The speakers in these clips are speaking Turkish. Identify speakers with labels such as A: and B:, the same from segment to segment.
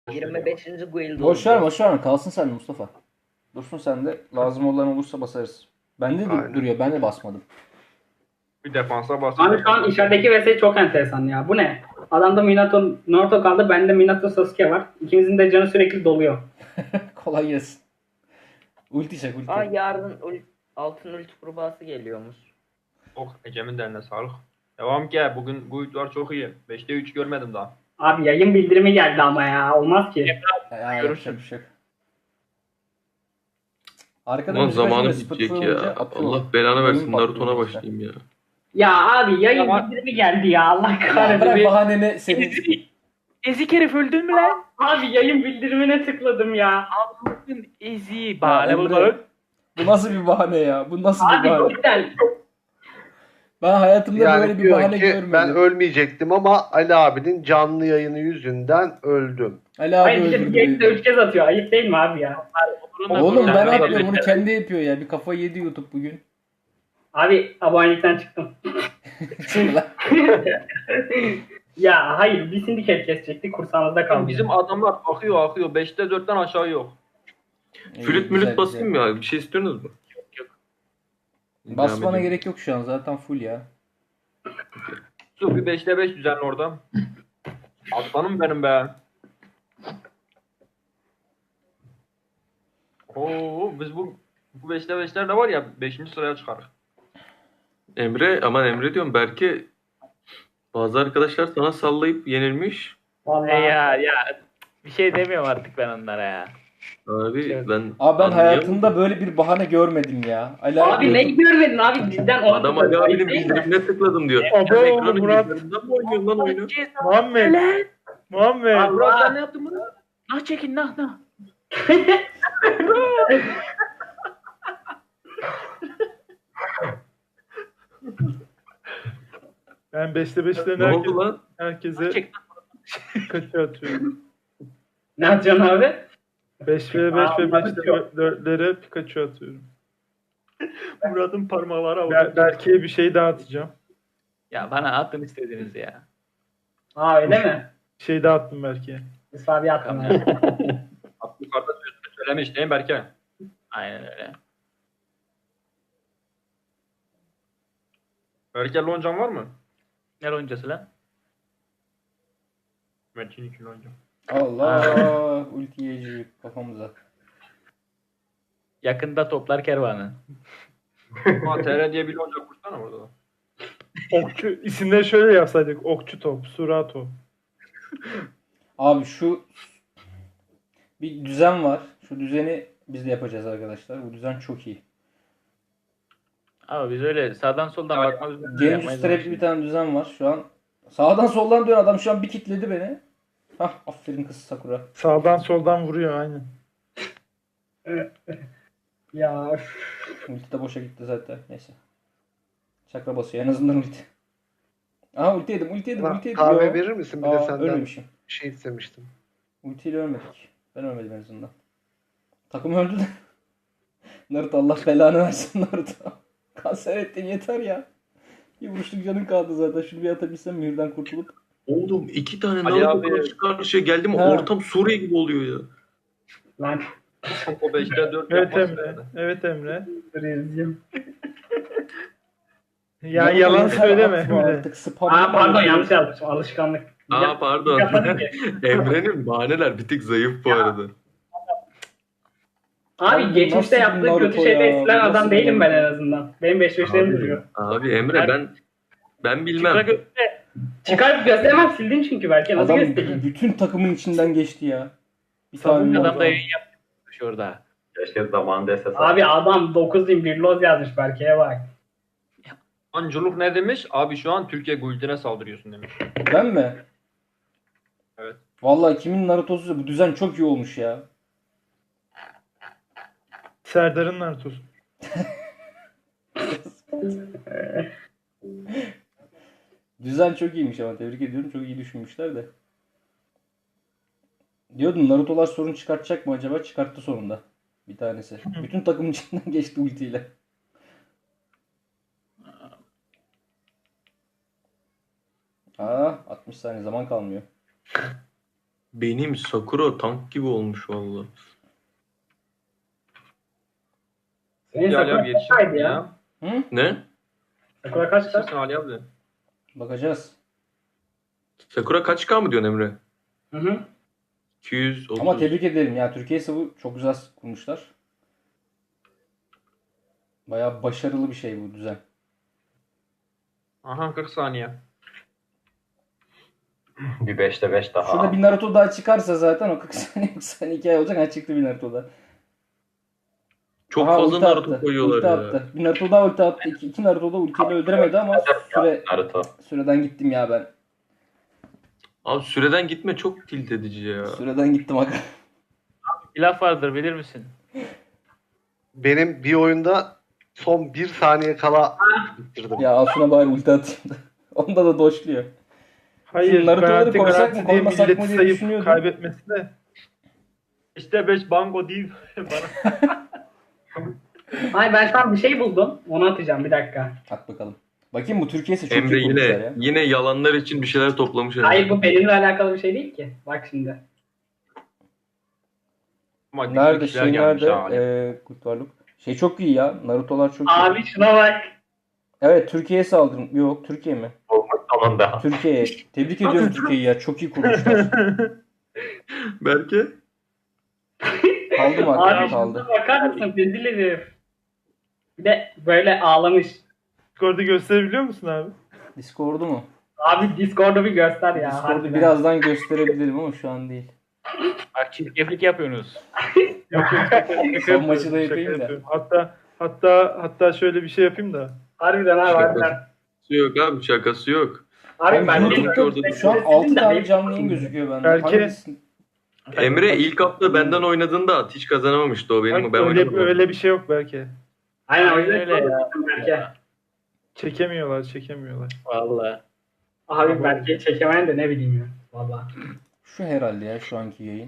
A: 25. guild
B: Boş ver
A: oldu.
B: boş ver. Kalsın sende Mustafa. Dursun sende. Lazım olan olursa basarız. Bende de
C: Aynen.
B: duruyor. Ben de basmadım.
D: Bir defansa
E: Abi
D: basacak.
E: şu an içerideki vs çok enteresan ya. Bu ne? Adamda Minato Naruto kaldı. Bende Minato Sasuke var. İkimizin de canı sürekli doluyor.
B: Kolay gelsin. Ulti çek ulti.
A: Aa yarın altın ulti kurbağası geliyormuş.
D: Oh, Ecem'in de eline sağlık. Devam ki. Bugün guildler çok iyi. 5'te 3 görmedim daha.
E: Abi yayın bildirimi geldi ama ya. Olmaz ki.
B: Ya, yapacak bir şey yok. Arkada
F: Ulan
B: müzik
F: zamanı
B: açınca
F: bitecek
B: Spotify
F: ya.
B: olunca atıyor.
F: Allah belanı versin.
B: Oyun
F: Naruto'na
B: patlıyor işte.
F: başlayayım ya.
E: Ya abi yayın
D: Ama-
E: bildirimi geldi ya. Allah
B: Ya
E: kahretsin.
B: bırak bahaneni senin.
G: Ezik herif öldün mü lan?
E: Abi yayın bildirimine tıkladım ya.
G: Allah'ın eziği. Bahane
B: Emre,
G: bulma.
B: Bu nasıl bir bahane ya? Bu nasıl bir
E: Abi
B: bahane?
E: cidden.
B: Ben hayatımda böyle
C: Yani
B: bir
C: diyor
B: bahane
C: ki
B: görmedim.
C: ben ölmeyecektim ama Ali abinin canlı yayını yüzünden öldüm.
B: Ali abi
E: Hayır bir de
B: öldürdü
E: yayını da
B: beni.
E: 3 kez atıyor. Ayıp değil mi abi ya?
B: Oğlum ben
D: Bunlar-
B: atmıyorum bunu kendi yapıyor ya. Bir kafayı yedi YouTube bugün.
E: Abi abonelikten çıktım. Ya hayır bir sindiket kesecektik kursağımızda kaldı.
D: Bizim adamlar akıyor. 5'te 4'ten aşağı yok.
F: Flüt mülüt basayım mı ya? Bir şey istiyorsunuz mu?
G: Yok.
B: Basmana
F: Devam edeyim.
B: gerek yok şu an zaten full ya.
D: Su bir 5'te 5 düzenli orada. Aslanım benim be. Oo biz bu 5'te 5'ler de var ya 5. sıraya çıkarız.
F: Emre diyorum Berke, bazı arkadaşlar sana sallayıp yenilmiş.
E: Vallahi.
G: Ya bir şey demiyorum artık ben onlara ya.
F: Abi
G: Evet.
F: ben
B: Abi ben
F: anlayamadım.
B: hayatımda böyle bir bahane görmedim ya. Ali
E: Abi ne görmedin abi cidden onu
F: Adam Ali abinin
E: Ayıp değil mi?
F: bildirimine tıkladım diyor.
H: Abo,
F: Sen ekranın
H: Murat.
F: bildirimden mi oynuyorsun lan oyunu?
H: Muhammed. Muhammed.
D: Abi Murat sen ne yaptın bunu?
G: Nah çekin nah.
H: Ben 5'te 5'lerin
F: Ne oldu lan?
H: herkese
G: Çek.
H: kaçı atıyorum.
E: Ne yapacaksın abi?
H: 5 ve 5 ve 5'te 4'lere Pikachu atıyorum.
D: Murat'ın parmakları havada.
H: Berke'ye bir şey daha atacağım.
G: Ya bana atın istediğinizi ya.
E: Aa öyle mi?
H: Bir şey daha attım Berke'ye.
E: Mustafa abi attım
G: Tamam.
E: abi.
D: Yukarıda sözünü söylemiş değil mi Berke?
G: Aynen öyle.
D: Berke loncan var mı?
G: Ne loncası lan?
D: Metin 2 loncan.
B: Allah ulti yiyecek kafamıza.
G: Yakında toplar kervanı.
D: Ha TR diye bir lonca kursana orada da.
H: Okçu isimleri şöyle yapsaydık. Okçu top, Surato.
B: Abi şu bir düzen var. Şu düzeni biz de yapacağız arkadaşlar. Bu düzen çok iyi.
G: Ama biz öyle sağdan soldan
D: Ya,
G: bakmamız
B: Genus Trap'li bir tane düzen var şu an. Sağdan soldan dön adam şu an bir kitledi beni. Hah aferin kız Sakura.
H: Sağdan soldan vuruyor aynen.
E: Ya üf.
B: Ulti de boşa gitti zaten. Neyse. Çakra basıyor en azından ulti. Aha ulti yedim.
C: Kahve
B: Yo.
C: verir misin? Bir de
B: Aa,
C: senden
B: ölmemişim.
C: bir şey istemiştim.
B: Ultiyle ölmedik. Ben ölmedim en azından. Takım öldü de. Naruto Allah belanı versin Naruto. Kanser ettin yeter ya. Bir vuruşluk canın kaldı zaten. Şunu bir atabilsem mühürden kurtulup.
F: Oğlum 2 tane
D: Ali
F: Naruto
D: abi-
F: karşı karşıya geldi mi
B: Ha.
F: ortam Suriye gibi oluyor ya.
E: Lan
D: O 5'te 4
H: Evet
D: yapmaz
H: Emre.
D: herhalde.
H: Evet Emre.
E: rezil.
H: Ya yalan
B: Yeter,
H: söyleme
B: atma
H: Emre.
B: Artık spam.
E: Aa pardon yanlış yazmışım alışkanlık.
F: Aa pardon.
E: Yapmadım ki.
F: Emre'nin bahaneler bir tık zayıf bu arada.
E: Abi
B: Nasıl
E: geçmişte
B: bir
E: yaptığı
B: Naruto
E: kötü şeyde
B: ya?
E: eskilen
B: Nasıl
E: adam
B: bir
E: değilim ben en
B: Naruto?
E: azından. Benim 5-5'lerim duruyor.
F: Abi Emre ben bilmem.
G: Çıkra göster.
E: Çıkarıp gösteremem sildin çünkü belki nasıl
B: Adam
E: göstereyim?
B: bütün takımın içinden geçti ya. Bir
H: Savunma
B: tane
G: Adam da
B: Naruto.
G: yayın yapmış orada.
A: Keşke zamanında SS
E: Abi adam 9.001 loz yazmış Berke'ye bak.
D: Anculuk ne demiş? Abi şu an Türkiye guildine saldırıyorsun demiş.
B: Ben mi?
D: Evet.
B: Vallahi kimin Naruto'su bu düzen çok iyi olmuş ya.
H: Serdar'ın Naruto'su.
B: Düzen çok iyiymiş ama tebrik ediyorum. Çok iyi düşünmüşler de. Diyordum Naruto'lar sorun çıkartacak mı acaba? Çıkarttı sonunda. Bir tanesi. Bütün takımın içinden geçti ultiyle. Aa 60 saniye zaman kalmıyor.
F: Benim Sakura tank gibi olmuş valla.
E: Senin
D: Ali abi
E: Sakura
D: yetişir
E: kaçtaydı
D: mi
E: ya?
D: ya?
B: Hı?
F: Ne?
E: Sakura kaçta?
D: Yetişirsin Ali abi.
B: Bakacağız.
F: Sakura kaç K mı diyorsun Emre?
E: Hı hı.
F: 230.
B: Ama tebrik ederim ya. Türkiye Sav'ı çok güzel kurmuşlar. Bayağı başarılı bir şey bu düzen.
D: Aha 40 saniye.
A: Bir 5'te 5 daha.
B: Şurada bir Naruto daha çıkarsa zaten o 40 saniye 40 saniye hikaye olacak. Ha çıktı bir Naruto daha.
F: Çok
B: Aha,
F: fazla
B: ulti
F: Naruto
B: attı.
F: koyuyorlar
B: Ulti
F: ya.
B: attı. Bir Naruto daha ulti attı. İki Naruto da ultiyle öldüremedi ama
A: Naruto.
B: süreden gittim ya ben.
F: Abi süreden gitme çok tilt edici ya.
B: Süreden gittim aga.
G: Bir laf vardır bilir misin?
C: Benim bir oyunda son 1 saniye kala bitirdim.
B: Ya Asun'a bari ulti atayım da. Onda da doşluyor.
H: Hayır,
B: Naruto'ları
H: garanti
B: koysak mı,
H: garanti diye
B: koymasak mı
H: milleti
B: diye
H: sayıp
B: düşünüyordum.
H: kaybetmesi de.
D: İşte 5 banko değil. Bana.
E: Ay ben şu an bir şey buldum. Onu atacağım bir dakika.
B: At bakalım. Bakayım bu Türkiye'si çok
F: Emre
B: iyi kurmuşlar
F: yine
B: ya.
F: yine yalanlar için bir şeyler toplamış herhalde.
E: Hayır bu benimle alakalı bir şey değil ki. Bak şimdi.
D: Ama
B: Nerede
D: güçlü
B: şey
D: kişiler gelmiş
B: nerede?
D: ha Ali.
B: Kurtlarlık. Şey çok iyi ya. Naruto'lar çok iyi.
E: Abi şuna bak.
B: Evet Türkiye'ye saldırın. Yok Türkiye mi?
A: Olmak sonunda.
B: Türkiye'ye. Tebrik ediyorum Türkiye'yi ya. Çok iyi kurmuşlar.
F: Berke?
B: Kaldı mı?
E: Abi
B: Kaldı.
E: şuna bakar mısın? Rezil herif. Bir de böyle ağlamış.
H: Discord'u gösterebiliyor musun abi?
B: Discord'u mu?
E: Abi Discord'u bir göster ya.
B: Discord'u
E: harbiden.
B: birazdan gösterebilirim ama şu an değil.
G: Bak çirkeflik yapıyorsunuz.
H: Yok,
B: Son maçı da
H: şaka
B: yapayım da.
H: yapıyorum. Hatta şöyle bir şey yapayım da.
E: Harbiden abi harbiden.
F: Şakası yok abi şakası yok.
E: Abi ben
F: YouTube'da
B: Şu an 6 tane canlı yayın gözüküyor bende.
H: Belki-
B: Hangisi?
F: Emre ilk hafta benden oynadığında at hiç kazanamamıştı o benim.
H: Bak,
F: Ben
H: öyle,
F: oynadım.
H: öyle bir şey yok belki.
E: Aynen o yüzden
G: Öyle ya.
E: Berke.
H: Çekemiyorlar.
G: Vallahi.
E: Abi Berke'yi çekemeyen de ne bileyim ya. Valla.
B: Şu herhalde ya şu anki yayın.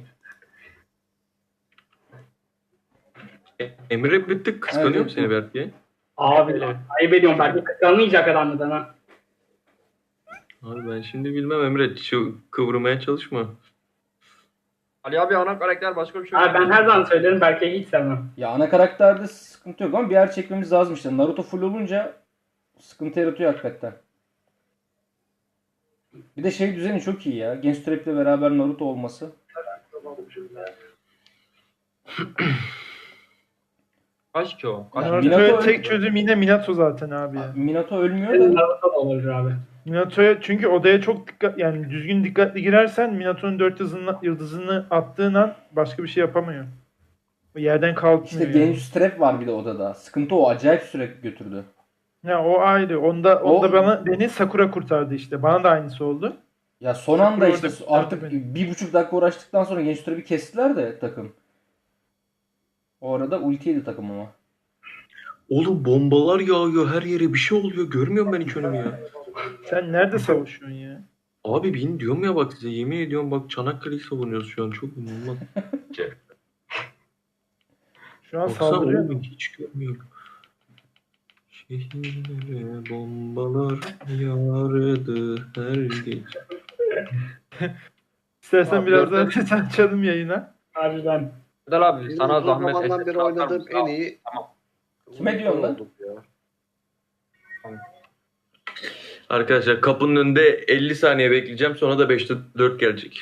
F: Emre bir tık kıskanıyor
B: Evet,
F: mu seni Berke?
E: Abi ayıp ediyorum Berke kıskanmayacak adamdan ha.
F: Abi ben şimdi bilmem Emre kıvırmaya çalışma.
D: Ali abi ana karakter başka bir şey
E: Abi ben her zaman söylerim Berke'yi hiç sevmem.
B: Ya ana karakterde sıkıntı yok ama bir yer çekmemiz lazım işte. Naruto full olunca sıkıntı yaratıyor hakikaten. Bir de şey düzeni çok iyi ya. Genç ile beraber Naruto olması.
D: Kaç ki o? Kaç?
B: Minato
H: Naruto'ya
B: öyle-
H: tek çözüm yine Minato zaten abi ya.
B: Minato ölmüyor
E: Benim
B: da.
E: Naruto da olur abi.
H: Minato'ya çünkü odaya çok dikkat yani düzgün dikkatli girersen Minato'nun 4 yıldızını attığın an başka bir şey yapamıyor. O yerden kalkmıyor.
B: İşte
H: yani.
B: genç strep var bir de odada. Sıkıntı o. Acayip sürekli götürdü.
H: Ya o ayrı. Onda
B: O-
H: beni Sakura kurtardı işte. Bana da aynısı oldu.
B: Ya son anda
H: Sakura
B: işte
H: orada kurtardı
B: artık
H: beni.
B: 1,5 dakika uğraştıktan sonra genç bir kestiler de takım. O arada ulti yedi takım ama.
F: Oğlum bombalar yağıyor her yere bir şey oluyor. Görmüyorum ben hiç önümü ya.
H: Sen nerede savaşıyorsun ya?
F: Abi bin diyorum ya bak size yemin ediyorum bak Çanakkale'yi savunuyoruz şu an çok inanılmaz.
H: Şu an
F: Baksana
H: saldırıyor.
F: oğlum hiç görmüyorum. Şehirlere bombalar yağardı her gece.
H: İstersen
D: Abi,
H: biraz
D: dört-
H: daha ses açalım yayına.
E: Abi ben.
D: Erdal abi
C: Benim
D: sana
C: uzun
D: zahmet
C: zamandan
D: SS
C: beri
D: atar
C: oynadığım
D: mısın?
C: en iyi...
D: Tamam.
B: Kime diyorsun lan?
C: Oldum ya.
F: Arkadaşlar kapının önünde 50 saniye bekleyeceğim sonra da 5'te 4 gelecek.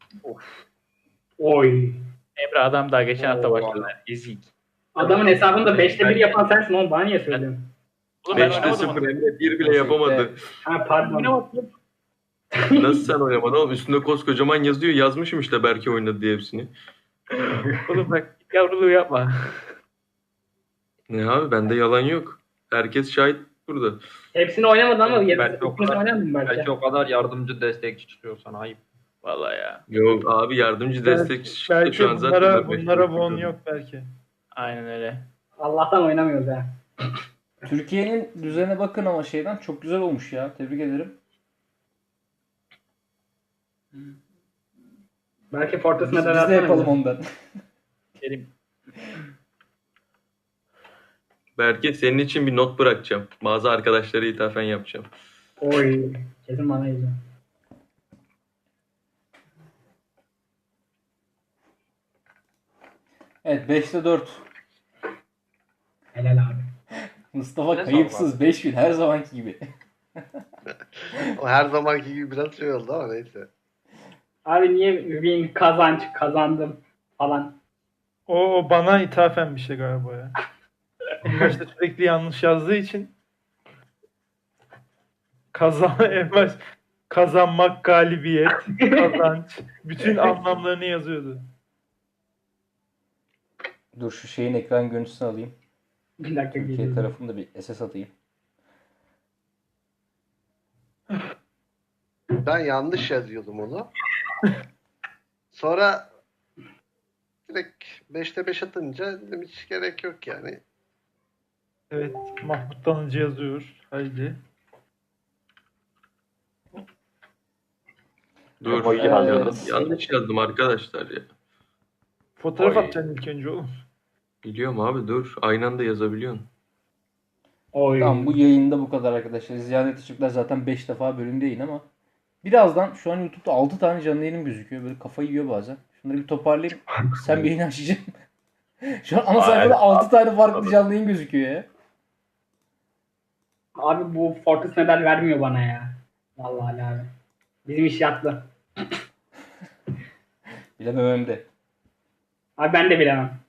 E: Oy.
G: Emre adam daha geçen hafta
D: Oo.
G: başladı. Ezik.
E: Adamın hesabında 5'te 1 yapan sensin oğlum bana niye söylüyorsun?
G: Oğlum ben
F: 5'te
G: oynamadım
F: 0
G: onu.
F: Emre 1 bile yapamadı.
E: Ha pardon.
F: Nasıl sen oynamadın oğlum? Üstünde koskocaman yazıyor. Yazmışım işte Berke oynadı diye hepsini.
G: Oğlum bak yavruluğu yapma.
F: Ne abi bende yalan yok. Herkes şahit burada.
E: Hepsini oynamadı ama
D: Ben
E: yetmiş
D: çok kadar-
E: oynadım belki.
D: Belki o kadar yardımcı destekçi çıkıyor sana ayıp.
G: Vallahi ya.
F: Yok abi yardımcı destek
H: Belki
F: şu an zaten
H: bunlara bon yok belki.
G: Aynen öyle.
E: Allah'tan oynamıyoruz ha.
B: Türkiye'nin düzene bakın ama şeyden çok güzel olmuş ya. Tebrik ederim.
E: Belki Fortress'ına
B: Biz
E: da
B: de yapalım ondan.
G: Kerim.
F: Berke senin için bir not bırakacağım. Bazı arkadaşlara ithafen yapacağım.
E: Oy. Kesin bana geliyor.
B: Evet 5'te 4.
E: Helal abi.
B: Mustafa
D: Ne
B: kayıpsız
D: sağ ol
B: 5 bin her zamanki gibi.
C: O her zamanki gibi biraz şey oldu ama neyse.
E: Abi niye win kazanç kazandım falan.
H: O bana ithafen bir şey galiba ya. En başta sürekli yanlış yazdığı için en baş kazanmak, galibiyet, kazanç bütün anlamlarını yazıyordu.
B: Dur şu şeyin ekran görüntüsünü alayım.
E: Bir dakika
B: Türkiye
E: geliyorum.
B: tarafında bir SS atayım.
C: Ben yanlış yazıyordum onu. Sonra direkt 5'te 5 atınca dedim hiç gerek yok yani.
H: Evet, Mahmut Tanıcı yazıyor. Haydi.
F: Dur.
A: O iyi
B: Evet.
F: Yanlış yazdım arkadaşlar ya.
H: Fotoğraf
A: Oy.
H: atacaksın ilk önce oğlum.
F: Biliyorum abi dur. Aynı anda yazabiliyorsun.
E: Oy.
B: Tamam bu yayında bu kadar arkadaşlar. Ziyaret Işıklar zaten 5 defa bölümde yayın ama birazdan şu an YouTube'da 6 tane canlı yayınım gözüküyor. Böyle kafayı yiyor bazen. Şunları bir toparlayayım. Sen bir yayın açacaksın. Şu an ana sayfada
A: Aynen.
B: 6 tane farklı canlı yayın gözüküyor ya.
E: Abi bu Fortis medal vermiyor bana ya. Vallahi abi. Bizim iş yattı.
B: Bilemem de.
E: Abi ben de bilemem.